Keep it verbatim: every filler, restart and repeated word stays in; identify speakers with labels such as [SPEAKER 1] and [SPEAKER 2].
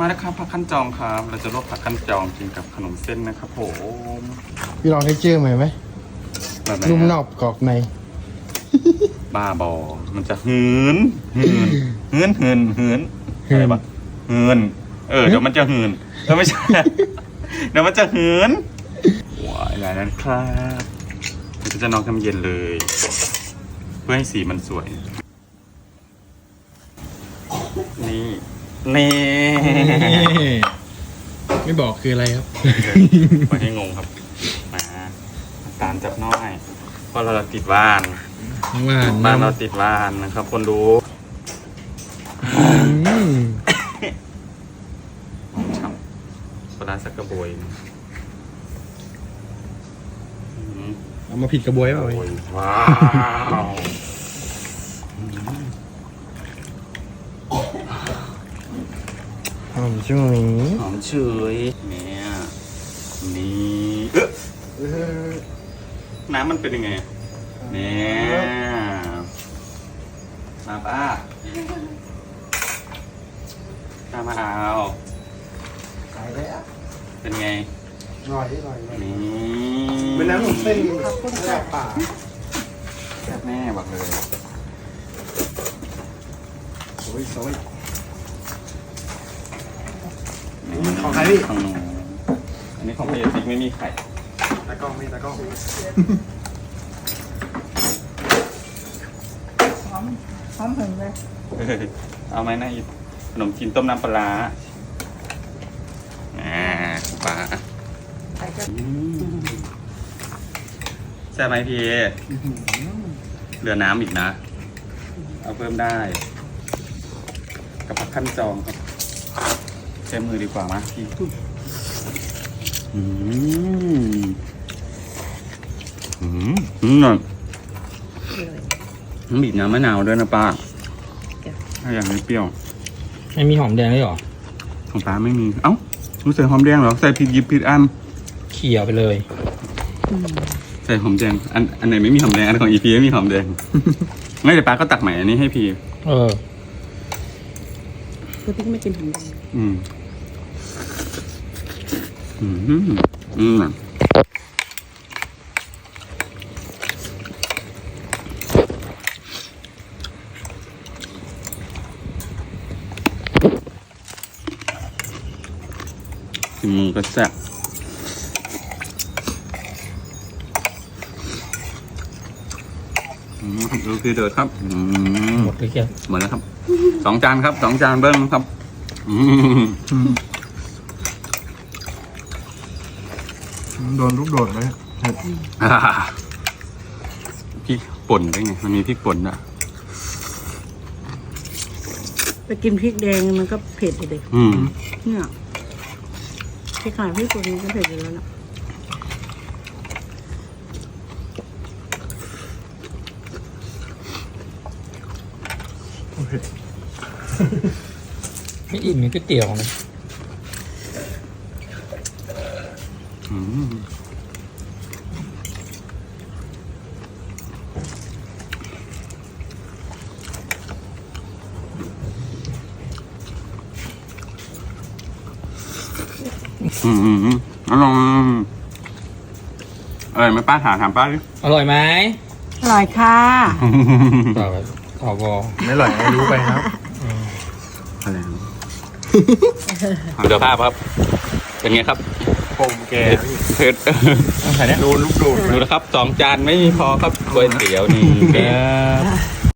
[SPEAKER 1] มาแล้วครับผักขั้นจองครับเราจะลวกผักขั้นจองกินกับขนมเส้นนะครับผม
[SPEAKER 2] พี่ลองได้เจอไหมไหม
[SPEAKER 1] แบบไหน
[SPEAKER 2] นุ่มน
[SPEAKER 1] ฮะ
[SPEAKER 2] อบกรอบใน
[SPEAKER 1] บ้าบอมันจะหืนหืนหืนหืนหืนอะไรปะหืนเออเดี๋ยวมันจะหืนเออไม่ใช่ เดี๋ยวมันจะหืนว้ายอะไรนั้นครับเดี๋ยวจะนอนทำเย็นเลย เพื่อให้สีมันสวย นี่นี่
[SPEAKER 2] ไม่บอกคืออะไรครับ
[SPEAKER 1] ไม่ให้งงครับมาตามจับน้อยเพราะเราติดบ้าน
[SPEAKER 2] ว่าน
[SPEAKER 1] บ้านเราติดบ้านนะครับ คนดู
[SPEAKER 2] อืม
[SPEAKER 1] หอมฉ่ำปลาสักกระบวยอืม
[SPEAKER 2] เอามาผิดกระบวยเปล่า
[SPEAKER 1] โอ้ยว้าว
[SPEAKER 2] หอมช่วย
[SPEAKER 1] หอมเฉยเนี่ยนี่เอ๊ะน้ำมันเป็นยังไงเนี่ยมาป้าตามมาเอา
[SPEAKER 2] ตายแล้ว
[SPEAKER 1] เป็นไง
[SPEAKER 2] อร่อยอร่อยอร่อย
[SPEAKER 1] นี่
[SPEAKER 2] เป็นน้ำหนุ่มเส้นระดับป่า
[SPEAKER 1] แม่บอกเลย
[SPEAKER 2] โอ้ยโอ้ย ของใครพี่
[SPEAKER 1] ของหนูอันนี้ของพี่ติ๊กไม่มีไข่
[SPEAKER 2] ตากล้องไม่ตากล้อง
[SPEAKER 3] หอมหอมถึงเลย
[SPEAKER 1] เอาไหมนะอีกขนมจีนต้มน้ำปลาร้าอ่าปลา
[SPEAKER 3] ใส่กระ
[SPEAKER 1] อืมใช่ไหมพี่เหลือน้ำอีกนะ เอาเพิ่มได้ กับผักขั้นจองครับใช้มือดีกว่ามั้ยพี่อืมอืมอืม
[SPEAKER 3] เลย
[SPEAKER 1] บีบน้ำมะนาวด้วยนะป้า
[SPEAKER 3] จ้ะ
[SPEAKER 1] ถ้าอยากให้เปรี้ยว
[SPEAKER 2] ไม่มีหอมแดงด้วยหรอ
[SPEAKER 1] ของป้าไม่มี เอ้ารู้ใส่หอมแดงเหรอ ใส่ผิดหยิบผิดอัน
[SPEAKER 2] เขี่ยไปเลย
[SPEAKER 1] ใส่หอมแดง อันอันไหนไม่มีหอมแดง อันของอีพีไม่มีหอมแดง ไม่แต่ป้าก็ตักใหม่อันนี้ให้พี่
[SPEAKER 2] เออ
[SPEAKER 3] คือพี่ไม่กินหอมแดง
[SPEAKER 1] อืม อืม อืม อืมก็แซ่บอืมดูคือเดือดครับ อืม
[SPEAKER 2] หมดเลยแก
[SPEAKER 1] หมดแล้วครับ สองจานครับ สองจานเบิ้งครับ อืม
[SPEAKER 2] โดนลูกโดดไหม
[SPEAKER 1] อ่าพริกป่นได้ไง มันมีพริกป่นอ่ะ
[SPEAKER 3] ไปกินพริกแดงมันก็เผ็ดเลย
[SPEAKER 1] อืม
[SPEAKER 3] เนี่ยพริกขนาดพริกป่นมันก็เผ็ดอยู่แล้วนะ
[SPEAKER 2] ไม่อิ่มเหมือนก๋วยเตี๋ยวนะ
[SPEAKER 1] อืม อืมอืมอืมอร่อยอร่อยไหมป้าถามถามป้าดิ
[SPEAKER 2] อร่อยไหม
[SPEAKER 3] อร่อยค่ะ
[SPEAKER 2] ต่อไปขอบอ
[SPEAKER 4] ไม่อร่อยให้รู้ไปครับ
[SPEAKER 1] อะไรนะเดี๋ยวภาพครับ เป็นไงครับ
[SPEAKER 4] ผมแก
[SPEAKER 1] เผ็ด
[SPEAKER 4] โดนลูกโดด
[SPEAKER 1] ดูนะครับสองจานไม่พอครับก๋วยเตี๋ยวนี่ครับ